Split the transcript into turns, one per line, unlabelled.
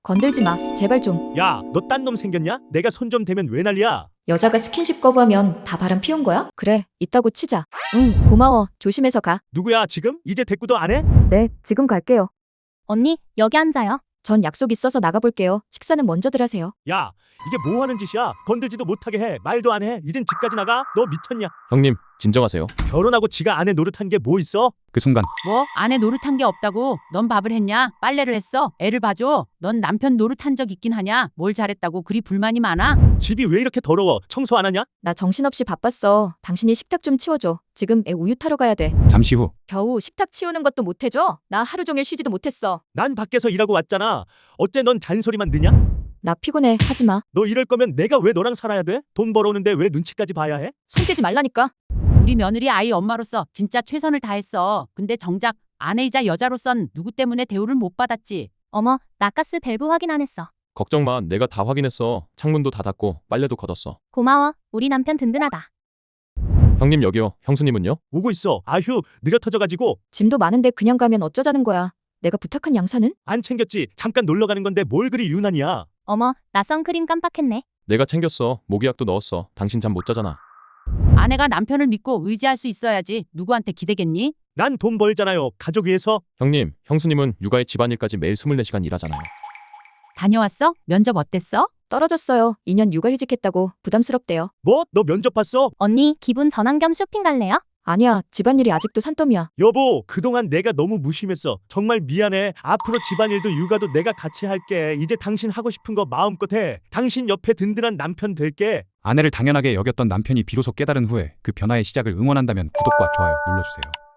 건들지 마. 제발 좀.
야, 너 딴 놈 생겼냐? 내가 손 좀 대면 왜 난리야?
여자가 스킨십 거부하면 다 바람 피운 거야? 그래, 있다고 치자. 응, 고마워. 조심해서 가.
누구야 지금? 이제 대꾸도 안 해?
네, 지금 갈게요.
언니, 여기 앉아요.
전 약속 있어서 나가볼게요. 식사는 먼저들 하세요.
야, 이게 뭐 하는 짓이야? 건들지도 못하게 해. 말도 안 해. 이젠 집까지 나가? 너 미쳤냐?
형님, 진정하세요.
결혼하고 지가 아내 노릇한 게 뭐 있어?
그 순간
뭐? 아내 노릇한 게 없다고? 넌 밥을 했냐? 빨래를 했어? 애를 봐줘? 넌 남편 노릇한 적 있긴 하냐? 뭘 잘했다고 그리 불만이 많아?
집이 왜 이렇게 더러워? 청소 안 하냐?
나 정신없이 바빴어. 당신이 식탁 좀 치워줘. 지금 애 우유 타러 가야 돼.
잠시 후
겨우 식탁 치우는 것도 못해줘? 나 하루 종일 쉬지도 못했어.
난 밖에서 일하고 왔잖아. 어째 넌 잔소리만 느냐?
나 피곤해. 하지 마.
너 이럴 거면 내가 왜 너랑 살아야 돼? 돈 벌어오는데 왜 눈치까지 봐야 해?
손 떼지 말라니까.
우리 며느리 아이 엄마로서 진짜 최선을 다했어. 근데 정작 아내이자 여자로선 누구 때문에 대우를 못 받았지?
어머, 나가스 밸브 확인 안 했어.
걱정 마. 내가 다 확인했어. 창문도 다 닫고 빨래도 걷었어.
고마워. 우리 남편 든든하다.
형님 여기요. 형수님은요?
오고 있어. 아휴, 느려 터져가지고
짐도 많은데 그냥 가면 어쩌자는 거야. 내가 부탁한 양산은?
안 챙겼지. 잠깐 놀러 가는 건데 뭘 그리 유난이야.
어머, 나 선크림 깜빡했네.
내가 챙겼어. 모기약도 넣었어. 당신 잠 못 자잖아.
아내가 남편을 믿고 의지할 수 있어야지. 누구한테 기대겠니?
난 돈 벌잖아요. 가족 위해서.
형님, 형수님은 육아에 집안일까지 매일 24시간 일하잖아요.
다녀왔어? 면접 어땠어?
떨어졌어요. 2년 육아휴직했다고 부담스럽대요.
뭐? 너 면접 봤어?
언니, 기분 전환 겸 쇼핑 갈래요?
아니야. 집안일이 아직도 산더미야.
여보, 그동안 내가 너무 무심했어. 정말 미안해. 앞으로 집안일도 육아도 내가 같이 할게. 이제 당신 하고 싶은 거 마음껏 해. 당신 옆에 든든한 남편 될게.
아내를 당연하게 여겼던 남편이 비로소 깨달은 후에 그 변화의 시작을 응원한다면 구독과 좋아요 눌러주세요.